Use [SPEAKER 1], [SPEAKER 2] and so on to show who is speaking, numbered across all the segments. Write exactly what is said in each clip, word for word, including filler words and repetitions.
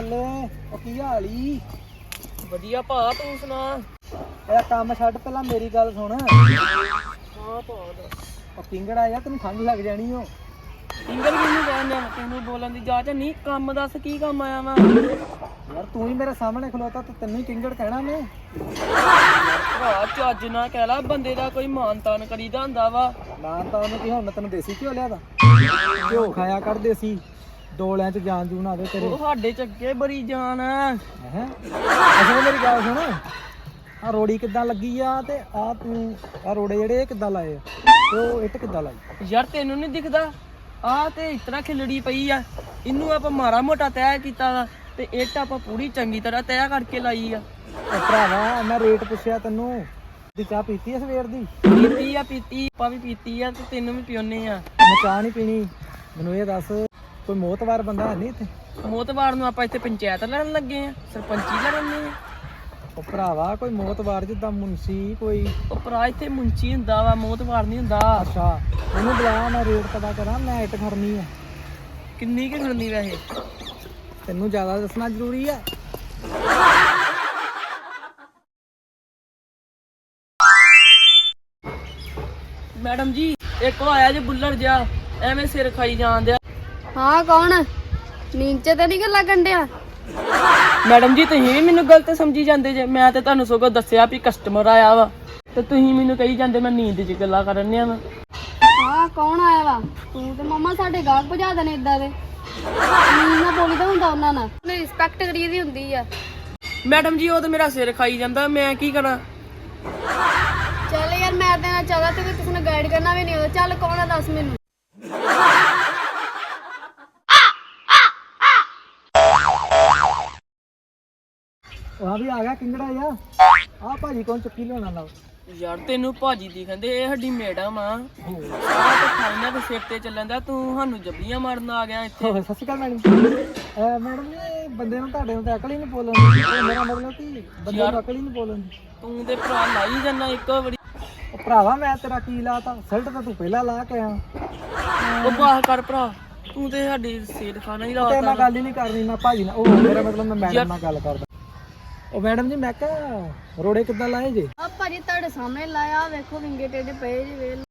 [SPEAKER 1] ਬੱਲੇ ਉਹ ਕੀ ਹਾਲ ਈ?
[SPEAKER 2] ਵਧੀਆ ਭਾ ਤੂੰ ਸੁਣਾ।
[SPEAKER 1] ਇਹ ਕੰਮ ਛੱਡ ਪਹਿਲਾਂ ਮੇਰੀ ਗੱਲ ਸੁਣ।
[SPEAKER 2] ਹਾਂ ਭਾ
[SPEAKER 1] ਉਹ ਕਿੰਗੜ ਆਇਆ ਤੈਨੂੰ ਖੰਘ ਲੱਗ ਜਾਣੀ ਓ।
[SPEAKER 2] ਇੰਗਲ ਕਿੰਨੂੰ ਕਹਿੰਦੇ ਆ ਤੈਨੂੰ ਬੋਲਣ ਦੀ ਜਾਚ ਨਹੀਂ। ਕੰਮ ਦੱਸ ਕੀ ਕੰਮ ਆਇਆ ਵਾ?
[SPEAKER 1] ਯਾਰ ਤੂੰ ਹੀ ਮੇਰੇ ਸਾਹਮਣੇ ਖਲੋਤਾ ਤੇ ਤੈਨੂੰ ਹੀ ਕਿੰਗੜ ਕਹਿਣਾ ਮੈਂ।
[SPEAKER 2] ਭਰਾ ਚੱਜ ਨਾ ਕਹਿ ਲਾ, ਬੰਦੇ ਦਾ ਕੋਈ ਮਾਨ ਤਾਨ ਕਰੀਦਾ ਹੁੰਦਾ ਵਾ।
[SPEAKER 1] ਨਾਂ ਤਾਂ ਉਹਨੂੰ ਕੀ ਹੁਣ ਮੈਂ ਤੈਨੂੰ ਦੇਸੀ ਘਿਓ ਲਿਆ ਦਾ ਘਿਓ ਖਾਇਆ ਕਰ ਦੇਸੀ, ਡੋਲਿਆਂ 'ਚ ਜਾਨ ਜੂਨ ਆਵੇ ਤੇਰੇ।
[SPEAKER 2] ਉਹ ਸਾਡੇ ਚੱਗੇ ਬੜੀ ਜਾਨ ਆ।
[SPEAKER 1] ਹੈ ਅਸਲ ਮੇਰੀ ਗੱਲ ਸੁਣ, ਆ ਰੋੜੀ ਕਿੱਦਾਂ ਲੱਗੀ ਆ ਤੇ ਆ ਤੂੰ ਆ ਰੋੜੇ ਜਿਹੜੇ ਇਹ ਕਿੱਦਾਂ ਲਾਏ ਆ ਤੇ ਉਹ ਇੱਟ ਕਿੱਦਾਂ ਲਾਈ?
[SPEAKER 2] ਯਾਰ ਤੈਨੂੰ ਨਹੀਂ ਦਿਖਦਾ ਆ ਤੇ ਇਸ ਤਰ੍ਹਾਂ ਖਿਲੜੀ ਪਈ ਆ। ਇਹਨੂੰ ਆਪਾਂ ਮਾੜਾ ਮੋਟਾ ਤੈਅ ਕੀਤਾ ਵਾ ਤੇ ਇੱਟ ਆਪਾਂ ਪੂਰੀ ਚੰਗੀ ਤਰ੍ਹਾਂ ਤੈਅ ਕਰਕੇ ਲਾਈ ਆ।
[SPEAKER 1] ਉਹ ਭਰਾਵਾ ਮੈਂ ਰੇਟ ਪੁੱਛਿਆ ਤੈਨੂੰ, ਦੀ ਚਾਹ ਪੀਤੀ ਆ ਸਵੇਰ ਦੀ?
[SPEAKER 2] ਪੀਤੀ ਆ ਪੀਤੀ ਆਪਾਂ ਵੀ ਪੀਤੀ ਆ ਤੇ ਤੈਨੂੰ ਵੀ ਪਿਉਨੇ ਆ।
[SPEAKER 1] ਮੈਂ ਚਾਹ ਨਹੀਂ ਪੀਣੀ। ਮੈਨੂੰ ਇਹ ਦੱਸ ਕੋਈ ਮੋਤਵਾਰ ਬੰਦਾ ਹੈ ਨਹੀਂ ਇੱਥੇ?
[SPEAKER 2] ਮੋਤਵਾਰ ਨੂੰ ਆਪਾਂ ਇੱਥੇ ਪੰਚਾਇਤ ਲੜਨ ਲੱਗੇ ਆ, ਸਰਪੰਚੀ ਲੜਨੇ ਆ।
[SPEAKER 1] ਉਹ ਭਰਾਵਾ ਕੋਈ ਮੋਤਵਾਰ ਜਿੱਦਾਂ ਮੁਨਸੀ ਕੋਈ?
[SPEAKER 2] ਉਹ ਭਰਾ ਇੱਥੇ ਮੁੰਚੀ ਹੁੰਦਾ ਵਾ, ਮੋਤਵਾਰ ਨਹੀਂ ਹੁੰਦਾ।
[SPEAKER 1] ਅੱਛਾ ਉਹਨੂੰ ਬੁਲਾ, ਮੈਂ ਰੇਟ ਪਤਾ ਕਰਾਂ। ਮੈਂ ਇੱਟ ਖੜਨੀ ਆ।
[SPEAKER 2] ਕਿੰਨੀ ਕੁ ਖੜਨੀ ਵੈਸੇ?
[SPEAKER 1] ਤੈਨੂੰ ਜ਼ਿਆਦਾ ਦੱਸਣਾ ਜ਼ਰੂਰੀ ਆ?
[SPEAKER 2] ਮੈਡਮ ਜੀ ਇੱਕ ਆਇਆ ਜੇ ਬੁੱਲਰ ਜਿਹਾ, ਐਵੇਂ ਸਿਰ ਖਾਈ ਜਾਂਦਿਆ।
[SPEAKER 3] ਹਾਂ ਕੌਣ? ਨੀਂਚੇ ਤੇ ਨਹੀਂ ਗੱਲਾਂ ਕੰਡਿਆ?
[SPEAKER 2] ਮੈਡਮ ਜੀ ਤੁਸੀਂ ਵੀ ਮੈਨੂੰ ਗਲਤ ਸਮਝੀ ਜਾਂਦੇ ਜੇ। ਮੈਂ ਤੇ ਤੁਹਾਨੂੰ ਸਗੋਂ ਦੱਸਿਆ ਵੀ ਕਸਟਮਰ ਆਇਆ ਵਾ ਤੇ ਤੁਸੀਂ ਮੈਨੂੰ ਕਹੀ ਜਾਂਦੇ ਮੈਂ ਨੀਂਦ 'ਚ ਗੱਲਾਂ ਕਰਨ ਆ ਵਾ।
[SPEAKER 3] ਹਾਂ ਕੌਣ ਆਇਆ ਵਾ? ਤੂੰ ਤੇ ਮੰਮਾ ਸਾਡੇ ਗਾਹਕ ਭਜਾ ਦੇਣੇ ਇਦਾਂ ਦੇ। ਨੀਂਦ ਨਾ ਬੋਲੀ ਤਾਂ ਹੁੰਦਾ ਉਹਨਾਂ ਨਾਲ, ਉਹਨੇ ਰਿਸਪੈਕਟ ਕਰੀਦੀ ਹੁੰਦੀ ਆ।
[SPEAKER 2] ਮੈਡਮ ਜੀ ਉਹ ਤਾਂ ਮੇਰਾ ਸਿਰ ਖਾਈ ਜਾਂਦਾ, ਮੈਂ ਕੀ ਕਰਾਂ?
[SPEAKER 3] ਚੱਲ ਯਾਰ ਮੈਂ ਤੇ ਨਾ ਚਾਹਦਾ ਤੇ ਕਿਸੇ ਨੂੰ ਗਾਈਡ ਕਰਨਾ ਵੀ ਨਹੀਂ ਆਉਂਦਾ। ਚੱਲ ਕੌਣ ਆ ਦੱਸ ਮੈਨੂੰ।
[SPEAKER 1] ਆ ਵੀ ਆ ਗਿਆ ਕਿੰਗੜਾ ਆ। ਆ ਭਾਜੀ ਕੌਣ ਚੁੱਕੀ ਲਿਆਉਣਾ ਨਾਲ?
[SPEAKER 2] ਯਾਰ ਤੈਨੂੰ ਭਾਜੀ ਦੀ ਕਹਿੰਦੇ, ਇਹ ਸਾਡੀ ਮੈਡਮ ਆ। ਸਾਰਾ ਤਾਂ ਖਾਣਾ ਦੇ ਸਿਰ ਤੇ ਚੱਲਣ ਦਾ, ਤੂੰ ਸਾਨੂੰ ਜੱਬੀਆਂ ਮਾਰਨ ਆ ਗਿਆ ਇੱਥੇ।
[SPEAKER 1] ਸਤਿ ਸ਼੍ਰੀ ਅਕਾਲ ਮੈਡਮ। ਮੈਡਮ ਜੀ ਬੰਦੇ ਨੂੰ ਤੁਹਾਡੇ ਨੂੰ ਤਾਂ ਅਕਲ ਹੀ ਨਹੀਂ ਬੋਲਣ ਦੀ। ਇਹ ਮੇਰਾ ਮਤਲਬ ਕਿ ਬੰਦੇ ਨੂੰ ਅਕਲ ਹੀ ਨਹੀਂ ਬੋਲਣ ਦੀ।
[SPEAKER 2] ਤੂੰ ਤੇ ਭਰਾ ਲਾਈ ਜਾਂਦਾ ਇੱਕੋ ਵਾਰੀ।
[SPEAKER 1] ਉਹ ਭਰਾਵਾ ਮੈਂ ਤੇਰਾ ਕੀ ਲਾਤਾ? ਸਲਟ ਤਾਂ ਤੂੰ ਪਹਿਲਾਂ ਲਾ ਕੇ ਆ।
[SPEAKER 2] ਉਹ ਬਾਹ ਕਰ ਭਰਾ, ਤੂੰ ਤੇ ਸਾਡੀ ਸਿਰ ਖਾਣਾ ਹੀ
[SPEAKER 1] ਤੇ ਮੈਂ
[SPEAKER 2] ਲਾਤਾ।
[SPEAKER 1] ਗੱਲ ਹੀ ਨਹੀਂ ਕਰਨੀ ਨਾ ਭਾਜੀ ਨਾਲ। ਉਹ ਮੇਰਾ ਮਤਲਬ ਮੈਂ ਮੈਡਮ ਨਾਲ ਗੱਲ ਕਰਦਾ। ਉਹ ਮੈਡਮ ਜੀ ਮੈਂ ਕਿਹਾ ਰੋੜੇ ਕਿੱਦਾਂ ਲਾਏ ਜੇ?
[SPEAKER 3] ਆ ਭਾਜੀ ਤੁਹਾਡੇ ਸਾਹਮਣੇ ਲਾਇਆ, ਵੇਖੋ ਵਿੰਗੇ ਟੇਡੇ ਪਏ ਜੀ ਵੇਲ।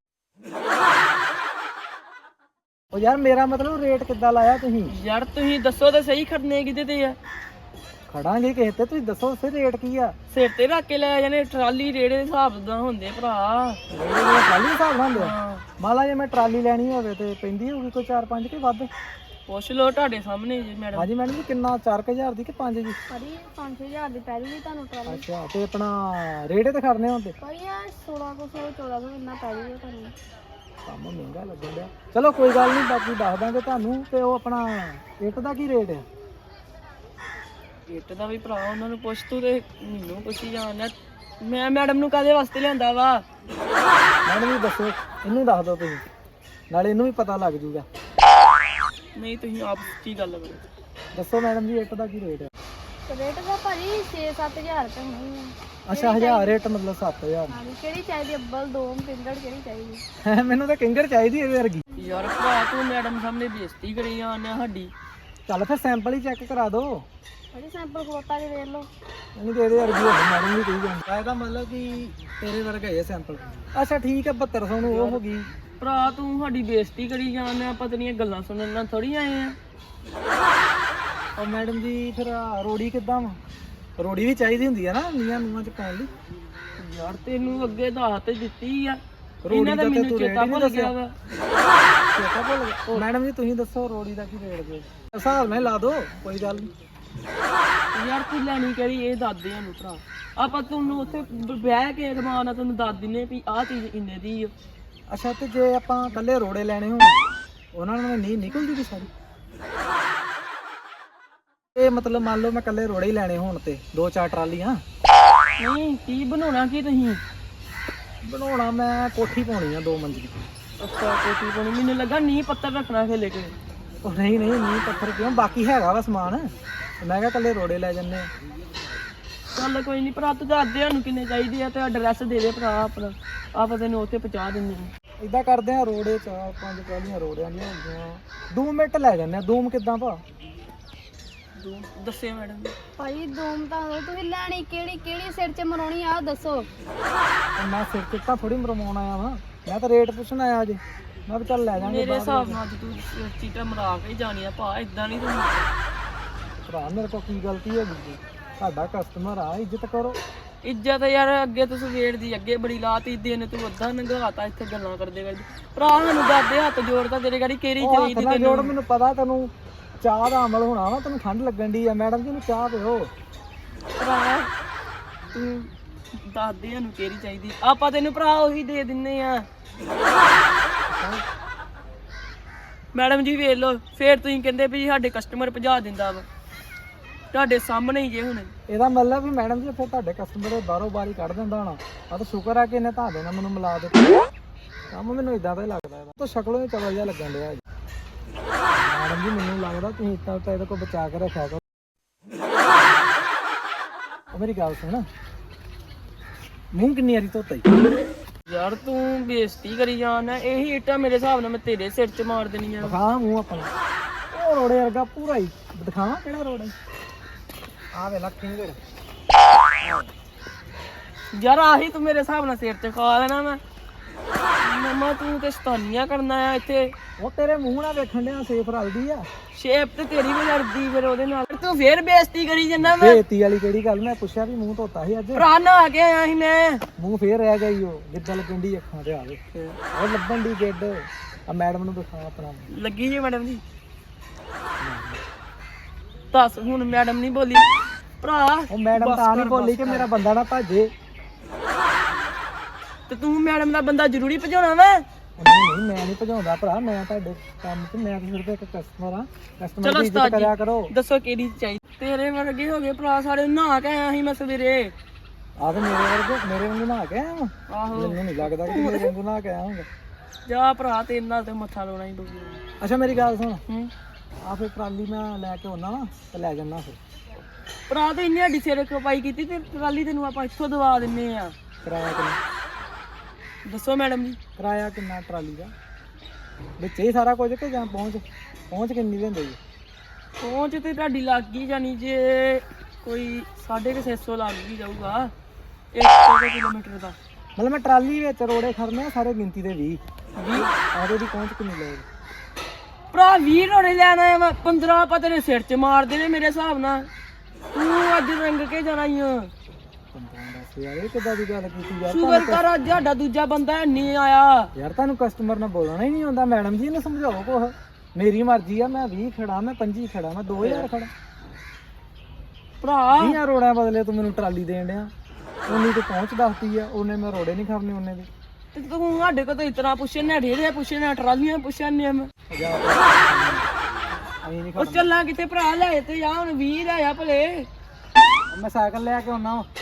[SPEAKER 1] ਉਹ ਯਾਰ ਮੇਰਾ ਮਤਲਬ ਰੇਟ ਕਿੱਦਾਂ ਲਾਇਆ ਤੁਸੀਂ?
[SPEAKER 2] ਯਾਰ ਤੁਸੀਂ ਦੱਸੋ ਤਾਂ ਸਹੀ, ਖੜਨੇ ਕਿਤੇ ਤੇ ਆ?
[SPEAKER 1] ਖੜਾਂਗੇ ਕਿਸੇ ਤੇ, ਤੁਸੀਂ ਦੱਸੋ ਫਿਰ ਰੇਟ ਕੀ ਆ?
[SPEAKER 2] ਸਿਰ ਤੇ ਰੱਖ ਕੇ ਲੈ ਜਾਣੇ, ਟਰਾਲੀ ਰੇੜੇ ਦੇ ਹਿਸਾਬ ਦਾ ਹੁੰਦੇ ਭਰਾ।
[SPEAKER 1] ਰੇਟ ਦੇ ਟਰਾਲੀ ਹਿਸਾਬ ਨਾਲ ਹੁੰਦੇ ਆ?
[SPEAKER 2] ਹਾਂ
[SPEAKER 1] ਮੰਨ ਲਾ ਜੇ ਮੈਂ ਟਰਾਲੀ ਲੈਣੀ ਹੋਵੇ ਤੇ ਪੈਂਦੀ ਹੋਊਗੀ ਕੋਈ ਚਾਰ ਪੰਜ ਕੇ ਵੱਧ?
[SPEAKER 2] ਪੁੱਛ ਲੋ ਤੁਹਾਡੇ ਸਾਹਮਣੇ ਜੀ ਮੈਡਮ।
[SPEAKER 1] ਹਾਂਜੀ ਮੈਡਮ ਜੀ ਕਿੰਨਾ? ਚਾਰ ਕੁ ਹਜ਼ਾਰ ਦੀ ਕਿ ਪੰਜ ਜੀ?
[SPEAKER 3] ਭਾਜੀ ਪੰਜ ਛੇ ਹਜ਼ਾਰ ਦੀ ਪੈ ਜੂਗੀ ਤੁਹਾਨੂੰ ਟਰਾਲੀ।
[SPEAKER 1] ਅੱਛਾ ਤੇ ਆਪਣਾ ਰੇੜੇ ਤੇ ਖੜਨੇ ਹੁੰਦੇ?
[SPEAKER 3] ਭਾਈ ਯਾਰ ਸੋਲਾਂ ਕੁ ਸੌ ਚੌਦਾਂ ਸੌ ਇੰਨਾ ਪੈ ਜੂਗਾ ਤੁਹਾਨੂੰ।
[SPEAKER 1] ਕੰਮ ਮਹਿੰਗਾ ਲੱਗਣ ਡਿਆ। ਚਲੋ ਕੋਈ ਗੱਲ ਨਹੀਂ, ਬਾਕੀ ਦੱਸ ਦਾਂਗੇ ਤੁਹਾਨੂੰ। ਤੇ ਉਹ ਆਪਣਾ ਇੱਟ ਦਾ ਕੀ ਰੇਟ ਹੈ?
[SPEAKER 2] ਇੱਟ ਦਾ ਵੀ ਭਰਾ ਉਹਨਾਂ ਨੂੰ ਪੁੱਛ, ਤੂੰ ਤੇ ਮੈਨੂੰ ਪੁੱਛੀ ਜਾਣਾ। ਮੈਂ ਮੈਡਮ ਨੂੰ ਕਾਹਦੇ ਵਾਸਤੇ ਲਿਆਂਦਾ ਵਾ?
[SPEAKER 1] ਮੈਡਮ ਜੀ ਦੱਸੋ, ਇਹਨੂੰ ਦੱਸ ਦਿਓ ਤੁਸੀਂ, ਨਾਲੇ ਇਹਨੂੰ ਵੀ ਪਤਾ ਲੱਗ ਜੂਗਾ।
[SPEAKER 2] ਨਹੀਂ ਤੁਸੀਂ ਆਪ ਕੀ ਗੱਲ ਕਰੋ।
[SPEAKER 1] ਦੱਸੋ ਮੈਡਮ ਜੀ ਇੱਟ ਦਾ ਕੀ ਰੇਟ ਹੈ?
[SPEAKER 3] ਰੇਟ ਦਾ ਭਾਜੀ ਛੇ ਸੱਤ ਹਜ਼ਾਰ ਰੁਪਏ ਹੋਣੀ ਆ।
[SPEAKER 1] ਅੱਛਾ ਹਜ਼ਾਰ ਰੇਟ ਮਤਲਬ ਸੱਤ ਹਜ਼ਾਰ?
[SPEAKER 3] ਹਾਂਜੀ ਕਿਹੜੀ ਚਾਹੀਦੀ? ਅੱਬਲ ਦੋਮ ਪਿੰਗੜ ਕਿਹੜੀ ਚਾਹੀਦੀ?
[SPEAKER 1] ਮੈਨੂੰ ਤਾਂ ਕਿੰਗਰ ਚਾਹੀਦੀ ਇਹਦੇ ਵਰਗੀ।
[SPEAKER 2] ਯਾਰ ਭਰਾ ਤੂੰ ਮੈਡਮ ਸਾਹਮਣੇ ਬੇਇੱਜ਼ਤੀ ਕਰੀ ਜਾਂਦੇ ਸਾਡੀ।
[SPEAKER 1] ਚੱਲ ਫਿਰ ਸੈਂਪਲ ਹੀ ਚੈੱਕ ਕਰਾ ਦਿਓ।
[SPEAKER 3] ਭਾਜੀ ਸੈਂਪਲ ਖੋਤਾ ਕੇ ਵੇਖ ਲਓ।
[SPEAKER 1] ਨਹੀਂ ਤੇ ਇਹਦੇ ਵਰਗੀ ਹੋਵੇ ਮੈਡਮ ਵੀ ਕਹੀ ਜਾਂਦੀ। ਇਹਦਾ ਮਤਲਬ ਕਿ ਤੇਰੇ ਵਰਗਾ ਹੀ ਹੈ ਸੈਂਪਲ। ਅੱਛਾ ਠੀਕ ਹੈ ਬਹੱਤਰ ਸੌ ਨੂੰ ਉਹ ਹੋ ਗਈ।
[SPEAKER 2] ਭਰਾ ਤੂੰ ਸਾਡੀ ਬੇਇੱਜ਼ਤੀ ਕਰੀ ਜਾਂਦੇ, ਆਪਾਂ ਤੇਰੀਆਂ ਗੱਲਾਂ ਸੁਣਨ ਨਾਲ ਥੋੜੀ ਆਏ ਆ।
[SPEAKER 1] ਉਹ ਮੈਡਮ ਜੀ ਫਿਰ ਆਹ ਰੋੜੀ ਕਿੱਦਾਂ ਵਾ? ਰੋੜੀ ਵੀ ਚਾਹੀਦੀ ਹੁੰਦੀ ਹੈ ਨਾ ਨੀਆਂ ਨੂਆਂ ਚ ਪਾਉਣ ਲਈ।
[SPEAKER 2] ਯਾਰ ਤੈਨੂੰ ਅੱਗੇ ਦੱਸ ਤੇ ਦਿੱਤੀ ਆ,
[SPEAKER 1] ਰੋੜੀ
[SPEAKER 2] ਇਹਨਾਂ
[SPEAKER 1] ਦਾ
[SPEAKER 2] ਦਾ
[SPEAKER 1] ਤੇ
[SPEAKER 2] ਮੈਨੂੰ
[SPEAKER 1] ਤੂੰ ਰੇਟ
[SPEAKER 2] ਚੇਤਾ
[SPEAKER 1] ਹੀ ਨਹੀਂ
[SPEAKER 2] ਭੁੱਲ ਗਿਆ
[SPEAKER 1] ਦੱਸਿਆ।
[SPEAKER 2] ਵਾ।
[SPEAKER 1] ਚੇਤਾ ਭੁੱਲ ਗਿਆ। ਮੈਡਮ ਜੀ ਤੁਸੀਂ ਦੱਸੋ ਰੋੜੀ ਦਾ ਕੀ ਰੇਟ ਦੇ? ਹਿਸਾਬ ਨਾਲ ਲਾ ਦਿਓ ਕੋਈ ਗੱਲ ਨਹੀਂ।
[SPEAKER 2] ਯਾਰ ਤੂੰ ਲੈਣੀ ਕਿਹੜੀ ਇਹ ਦੱਸ ਦੇ ਸਾਨੂੰ ਭਰਾ। ਆਪਾਂ ਤੁਹਾਨੂੰ ਉੱਥੇ ਬ- ਬਹਿ ਕੇ ਰਮਾਨ ਨਾਲ ਤੈਨੂੰ ਦੱਸ ਦਿੰਨੇ ਵੀ ਆਹ ਚੀਜ਼ ਇੰਨੇ ਦੀ ਆ।
[SPEAKER 1] ਅੱਛਾ ਤੇ ਜੇ ਆਪਾਂ ਇਕੱਲੇ ਰੋੜੇ ਲੈਣੇ ਹੋਣ ਉਹਨਾਂ ਨੂੰ ਨਹੀਂ ਨਿਕਲ ਜੂਗੀ ਸਾਰੀ? ਇਹ ਮਤਲਬ ਮੰਨ ਲਓ ਮੈਂ ਇਕੱਲੇ ਰੋੜੇ ਹੀ ਲੈਣੇ ਹੋਣ ਤੇ ਦੋ ਚਾਰ ਟਰਾਲੀਆਂ।
[SPEAKER 2] ਨਹੀਂ ਕੀ ਬਣਾਉਣਾ ਕੀ ਤੁਸੀਂ?
[SPEAKER 1] ਬਣਾਉਣਾ ਮੈਂ ਕੋਠੀ ਪਾਉਣੀ ਆ ਦੋ ਮੰਜ਼ਲੀ।
[SPEAKER 2] ਅੱਛਾ ਕੋਟੀ ਬਣੀ, ਮੈਨੂੰ ਲੱਗਾ ਨੀਂਹ ਪੱਤਰ ਰੱਖਣਾ ਖੇਲੇ ਕੇ।
[SPEAKER 1] ਉਹ ਨਹੀਂ ਨਹੀਂ ਨਹੀਂ ਪੱਥਰ ਕਿਉਂ, ਬਾਕੀ ਹੈਗਾ ਵਾ ਸਮਾਨ। ਮੈਂ ਕਿਹਾ ਇਕੱਲੇ ਰੋੜੇ ਲੈ ਜੰਨੇ ਆ।
[SPEAKER 2] ਚੱਲ ਕੋਈ ਨਹੀਂ ਭਰਾ, ਤੂੰ ਦੱਸ ਦੇ ਸਾਨੂੰ ਕਿੰਨੇ ਚਾਹੀਦੇ ਆ ਤੇ ਐਡਰੈਸ ਦੇ ਦੇ ਭਰਾ ਆਪਣਾ, ਆਪਾਂ ਤੈਨੂੰ ਉੱਥੇ ਪਹੁੰਚਾ ਦਿੰਦੇ ਹਾਂ।
[SPEAKER 1] ਇਦਾਂ ਕਰਦੇ ਆ ਰੋੜੇ ਚਾਰ ਪੰਜ ਕਾਲੀਆਂ ਰੋੜਿਆਂ ਦੀਆਂ ਹੋ ਗਈਆਂ। ਦੂਮ ਮਿੰਟ ਲੈ ਜਾਂਦੇ ਆ। ਦੂਮ ਕਿੱਦਾਂ ਭਾ?
[SPEAKER 2] ਦੂਮ ਦੱਸਿਓ ਮੈਡਮ ਜੀ।
[SPEAKER 3] ਭਾਈ ਦੋਮ ਤਾਂ ਤੁਸੀਂ ਲੈਣੀ ਕਿਹੜੀ ਕਿਹੜੀ ਸਿਰ 'ਚ ਮਰਾਉਣੀ ਆ ਦੱਸੋ।
[SPEAKER 1] ਤੇ ਮੈਂ ਸਿਰ ਚਿੱਟਾ ਥੋੜੀ ਮਰਵਾਉਣ ਆਇਆ ਵਾਂ, ਮੈਂ ਤਾਂ ਰੇਟ ਪੁੱਛਣ ਆਇਆ ਅਜੇ। ਮੈਂ ਵੀ ਚੱਲ ਲੈ ਜਾਾਂਗੇ
[SPEAKER 2] ਮੇਰੇ ਹਿਸਾਬ ਨਾਲ ਅੱਜ ਤੂੰ ਚੀਟਾ ਮਰਾ ਕੇ ਹੀ ਜਾਣੀ ਆ ਭਾ, ਇਦਾਂ ਨਹੀਂ ਤੂੰ।
[SPEAKER 1] ਭਰਾ ਮੇਰੇ ਕੋਲ ਕੀ ਗਲਤੀ ਹੈਗੀ ਜੀ, ਤੁਹਾਡਾ ਕਸਟਮਰ ਆ, ਇੱਜ਼ਤ ਕਰੋ।
[SPEAKER 2] ਇੱਜ਼ਤ ਯਾਰ ਅੱਗੇ ਤੂੰ ਸਵੇਰ ਦੀ ਅੱਗੇ ਬੜੀ ਲਾਤੀ, ਦਿਨ ਤੂੰ ਅੱਧਾ ਨੰਗਾਤਾ ਇੱਥੇ ਗੱਲਾਂ ਕਰਦੇ ਕਰਦੇ। ਭਰਾ ਮੈਨੂੰ ਦਾਦੇ ਹੱਥ ਜੋੜਦਾ ਤੇਰੇ ਗਾੜੀ ਕਿਹੜੀ
[SPEAKER 1] ਉਹ
[SPEAKER 2] ਚਾਹੀਦੀ
[SPEAKER 1] ਹੱਥ ਨਾਲ ਜੋੜ,
[SPEAKER 2] ਤੈਨੂੰ?
[SPEAKER 1] ਮੈਨੂੰ ਪਤਾ ਤੈਨੂੰ ਚਾਹ ਦਾ ਅਮਲ ਹੋਣਾ ਵਾ, ਤੈਨੂੰ ਠੰਡ ਲੱਗਣ ਦੀ ਆ। ਮੈਡਮ ਜੀ ਨੂੰ ਚਾਹ ਦਿਓ।
[SPEAKER 2] ਭਰਾ ਤੂੰ ਦਾਦਿਆਂ ਨੂੰ ਕਿਹੜੀ ਚਾਹੀਦੀ, ਆਪਾਂ ਤੈਨੂੰ ਭਰਾ ਉਹੀ ਦੇ ਦਿੰਨੇ ਆ। ਮੈਡਮ ਜੀ ਵੇਖ ਲਓ, ਫੇਰ ਤੁਸੀਂ ਕਹਿੰਦੇ ਵੀ ਸਾਡੇ ਕਸਟਮਰ ਭਜਾ ਦਿੰਦਾ ਵਾ, ਤੁਹਾਡੇ ਸਾਹਮਣੇ ਹੀ ਜੇ ਹੁਣ।
[SPEAKER 1] ਇਹਦਾ ਮਤਲਬ ਵੀ ਮੈਡਮ ਜੀ ਫਿਰ ਤੁਹਾਡੇ ਕਸਟਮਰ ਬਾਹਰੋਂ ਬਾਰੀ ਕੱਢ ਦਿੰਦਾ ਹੋਣਾ। ਆ ਤਾਂ ਸ਼ੁਕਰ ਆ ਕਿ ਇਹਨੇ ਤੁਹਾਡੇ ਨਾਲ ਮੈਨੂੰ ਮਿਲਾ ਦਿੱਤਾ। ਕੰਮ ਮੈਨੂੰ ਇਦਾਂ ਦਾ ਹੀ ਲੱਗਦਾ, ਇਹਦਾ ਤਾਂ ਸ਼ਕਲੋਂ ਹੀ ਚਵਲ ਜਿਹਾ ਲੱਗਣ ਡਿਆ ਜੀ। ਮੈਡਮ ਜੀ ਮੈਨੂੰ ਲੱਗਦਾ ਤੁਸੀਂ ਇੱਦਾਂ ਤਾਂ ਇਹਦੇ ਕੋਲ ਬਚਾ ਕੇ ਰੱਖਿਆ ਕਰੋ। ਉਹ ਮੇਰੀ ਗੱਲ ਸੁਣ, ਮੂੰਹ ਕਿੰਨੀ ਵਾਰੀ ਧੋਤਾ ਜੀ?
[SPEAKER 2] ਯਾਰ ਤੂੰ ਬੇਇੱਜ਼ਤੀ ਕਰੀ ਜਾਣਾ, ਇਹੀ ਇੱਟਾਂ ਮੇਰੇ ਹਿਸਾਬ ਨਾਲ ਮੈਂ ਤੇਰੇ ਸਿਰ 'ਚ ਮਾਰ ਦੇਣੀਆਂ।
[SPEAKER 1] ਦਿਖਾ ਮੂੰਹ ਆਪਣਾ, ਉਹ ਰੋੜੇ ਵਰਗਾ ਪੂਰਾ ਹੀ। ਦਿਖਾਵਾਂ ਕਿਹੜਾ ਰੋੜਾ? ਆ ਵੇ ਲੱਖ ਕਿੰਨੇ ਦੇ।
[SPEAKER 2] ਯਾਰ ਆਹੀ ਤੂੰ ਮੇਰੇ ਹਿਸਾਬ ਨਾਲ ਸਿਰ 'ਚ ਖਾ ਲੈਣਾ ਮੈਂ। ਮਮਾ ਤੂੰ ਤੇ ਸਤਾਨੀਆਂ ਕਰਨਾ ਆ ਇੱਥੇ।
[SPEAKER 1] ਉਹ ਤੇਰੇ ਮੂੰਹ ਨਾਲ ਵੇਖਣ ਡਿਆ ਸੇਫ ਰਲਦੀ ਆ।
[SPEAKER 2] ਸ਼ੇਪ ਤੇ ਤੇਰੀ ਵੀ ਲੜਦੀ ਫਿਰ ਉਹਦੇ ਨਾਲ, ਤੂੰ ਫੇਰ ਬੇਇੱਜ਼ਤੀ ਕਰੀ ਜਾਂਦਾ। ਮੈਂ
[SPEAKER 1] ਬੇਇੱਜ਼ਤੀ ਵਾਲੀ ਕਿਹੜੀ ਗੱਲ? ਮੈਂ ਪੁੱਛਿਆ ਵੀ ਮੂੰਹ ਧੋਤਾ ਸੀ ਅੱਜ।
[SPEAKER 2] ਭਰਾ ਨਹਾ ਕੇ ਆਇਆ ਸੀ ਮੈਂ।
[SPEAKER 1] ਮੂੰਹ ਫੇਰ ਰਹਿ ਗਿਆ ਈ, ਉਹ ਜਿੱਦਾਂ ਲੱਗਣ ਦੀ ਅੱਖਾਂ ਤੇ ਆਵੇ ਉਹ ਲੱਭਣ ਦੀ ਗਿੱਡ। ਆ ਮੈਡਮ ਨੂੰ ਦਿਖਾ ਆਪਣਾ।
[SPEAKER 2] ਲੱਗੀ ਜੀ ਮੈਡਮ ਜੀ? ਦੱਸ ਹੁਣ ਮੈਡਮ ਨਹੀਂ ਬੋਲੀ ਭਰਾ?
[SPEAKER 1] ਉਹ ਮੈਡਮ
[SPEAKER 2] ਬਸ
[SPEAKER 1] ਤਾਂ ਨਹੀਂ
[SPEAKER 2] ਕਰ,
[SPEAKER 1] ਬੋਲੀ
[SPEAKER 2] ਬਸ
[SPEAKER 1] ਕਿ
[SPEAKER 2] ਕਰ।
[SPEAKER 1] ਮੇਰਾ ਬੰਦਾ ਨਾ ਭਾਜੇ।
[SPEAKER 2] ਤੇ ਤੂੰ ਮੈਡਮ ਦਾ ਬੰਦਾ ਜ਼ਰੂਰੀ ਭਜਾਉਣਾ ਵਾ?
[SPEAKER 1] ਉਹ ਨਹੀਂ ਨਹੀਂ, ਮੈਂ ਨਹੀਂ ਭਜਾਉਂਦਾ ਭਰਾ, ਮੈਂ ਤੁਹਾਡੇ ਕੰਮ ਤੇ ਮੈਂ ਤਾਂ ਸਿਰਫ ਇੱਕ ਕਸਟਮਰ ਆ। ਕਸਟਮਰ
[SPEAKER 2] ਚਲੋ
[SPEAKER 1] ਦੀ ਇੱਜ਼ਤ
[SPEAKER 2] ਉਸਤਾਦ
[SPEAKER 1] ਕਰਿਆ
[SPEAKER 2] ਜੀ
[SPEAKER 1] ਕਰੋ।
[SPEAKER 2] ਦੱਸੋ ਕਿਹੜੀ ਚਾਹੀਦੀ? ਤੇਰੇ ਵਰਗੇ ਹੋ ਗਏ ਭਰਾ ਸਾਰੇ, ਨਹਾ ਕੇ ਆਇਆ ਸੀ ਮੈਂ ਸਵੇਰੇ।
[SPEAKER 1] ਆ ਤੇ ਮੇਰੇ ਵਰਗੇ ਮੇਰੇ ਵਾਂਗੂ ਨਹਾ ਕੇ ਆਇਆ ਵਾਂ।
[SPEAKER 2] ਆਹੋ
[SPEAKER 1] ਮੈਨੂੰ ਨਹੀਂ ਲੱਗਦਾ ਕਿ ਮੇਰੇ ਵਾਂਗੂ ਨਹਾ ਕੇ ਆਇਆ ਹੋਊਗਾ।
[SPEAKER 2] ਜਾ ਭਰਾ ਤੇਰੇ ਨਾਲ ਤੇ ਮੱਥਾ ਲਾਉਣਾ ਹੀ ਪਊਗਾ।
[SPEAKER 1] ਅੱਛਾ ਮੇਰੀ ਗੱਲ ਸੁਣ,
[SPEAKER 2] ਹੂੰ
[SPEAKER 1] ਆ ਫਿਰ ਟਰਾਲੀ ਮੈਂ ਲੈ ਕੇ ਆਉਣਾ ਵਾ ਤੇ ਲੈ ਜਾਣਾ ਫਿਰ।
[SPEAKER 2] ਭਰਾ ਤੇ ਇੰਨੀ ਹੱਡੀ ਸਿਰ ਖਪਾਈ ਕੀਤੀ ਤੇ ਟਰਾਲੀ ਤੈਨੂੰ ਆਪਾਂ ਇੱਥੋਂ ਦਵਾ ਦਿੰਨੇ ਆ।
[SPEAKER 1] ਕਿਰਾਇਆ ਕਿੰਨਾ?
[SPEAKER 2] ਦੱਸੋ ਮੈਡਮ ਜੀ।
[SPEAKER 1] ਕਿਰਾਇਆ ਕਿੰਨਾ ਟਰਾਲੀ ਦਾ? ਵਿੱਚ ਹੀ ਸਾਰਾ ਕੁਝ ਕਿ ਜਾਂ ਪਹੁੰਚ ਪਹੁੰਚ ਕਿੰਨੀ ਲੈਂਦੇ ਜੀ?
[SPEAKER 2] ਪਹੁੰਚ ਤੇ ਤੁਹਾਡੀ ਲੱਗ ਗਈ ਜਾਨੀ ਜੇ ਕੋਈ ਸਾਢੇ ਕੁ ਛੇ ਸੌ ਲੱਗ ਹੀ ਜਾਊਗਾ ਇੱਕ ਕਿਲੋਮੀਟਰ ਦਾ।
[SPEAKER 1] ਮਤਲਬ ਮੈਂ ਟਰਾਲੀ ਵਿੱਚ ਰੋੜੇ ਖੜਨੇ ਆ ਸਾਰੇ ਗਿਣਤੀ ਦੇ ਵੀਹ।
[SPEAKER 2] ਵੀਹ?
[SPEAKER 1] ਆਦੇ ਦੀ ਪਹੁੰਚ ਕਿੰਨੀ ਲਏਗੀ?
[SPEAKER 2] ਭਰਾ ਵੀਹ ਰੋੜੇ ਲੈਣ ਆਇਆ ਮੈਂ, ਪੰਦਰਾਂ ਆਪਾਂ ਤੇਰੇ ਸਿਰ 'ਚ ਮਾਰਦੇ ਨੇ ਮੇਰੇ ਹਿਸਾਬ ਨਾਲ। ਤੂੰ ਅੱਜ ਰੰਗ ਕੇ ਜਾਣਾ ਹੀ ਆ।
[SPEAKER 1] ਪੰਦਰਾਂ ਦਸ ਯਾਰ, ਇਹ ਕਿੱਦਾਂ ਦੀ ਗੱਲ ਕੀਤੀ ਯਾਰ?
[SPEAKER 2] ਸ਼ੁਕਰ ਕਰ ਅੱਜ ਸਾਡਾ ਦੂਜਾ ਬੰਦਾ ਨਹੀਂ ਆਇਆ।
[SPEAKER 1] ਯਾਰ ਤੁਹਾਨੂੰ ਕਸਟਮਰ ਨਾਲ ਬੋਲਣਾ ਹੀ ਨਹੀਂ ਆਉਂਦਾ। ਮੈਡਮ ਜੀ ਨੂੰ ਸਮਝਾਓ ਕੁਛ। ਮੇਰੀ ਮਰਜ਼ੀ ਆ, ਮੈਂ ਵੀਹ ਖੜਾ, ਮੈਂ ਪੰਜੀ ਖੜਾ, ਮੈਂ ਦੋ ਹਜ਼ਾਰ ਖੜਾ।
[SPEAKER 2] ਭਰਾ
[SPEAKER 1] ਵੀਹਾਂ ਰੋੜਿਆਂ ਬਦਲੇ ਤੂੰ ਮੈਨੂੰ ਟਰਾਲੀ ਦੇਣ ਡਿਆ। ਉਹਨੀ ਤੇ ਪਹੁੰਚ ਦੱਸਦੀ ਆ, ਉਹਨੇ ਮੈਂ ਰੋੜੇ ਨਹੀਂ ਖੜਨੇ ਉਹਨੇ ਦੇ।
[SPEAKER 2] ਤੇ ਤੂੰ ਸਾਡੇ ਕੋਲ ਤਾਂ ਇਤਨਾ ਪੁੱਛਣ ਨੇ, ਢੇਰੇ ਪੁੱਛਣ ਨੇ, ਟਰਾਲੀਆਂ ਪੁੱਛਣ ਨੇ ਮੈਂ।
[SPEAKER 1] ਜਾ ਅਸੀਂ ਨਹੀਂ
[SPEAKER 2] ਉਹ
[SPEAKER 1] ਖੜਨਾ।
[SPEAKER 2] ਚੱਲਾਂ ਕਿਤੇ ਭਰਾ ਲੈ ਤੇ ਜਾ, ਹੁਣ ਵੀਹ ਲੈ ਆ ਭਲੇ।
[SPEAKER 1] ਮੈਂ ਸਾਈਕਲ ਲੈ ਕੇ ਆਉਣਾ ਵਾ।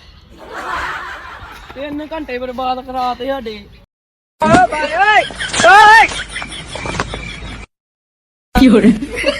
[SPEAKER 2] ਤਿੰਨ ਘੰਟੇ ਬਰਬਾਦ ਕਰਾਤੇ ਸਾਡੇ।
[SPEAKER 4] ਕੀ ਹੋ ਰਿਹਾ?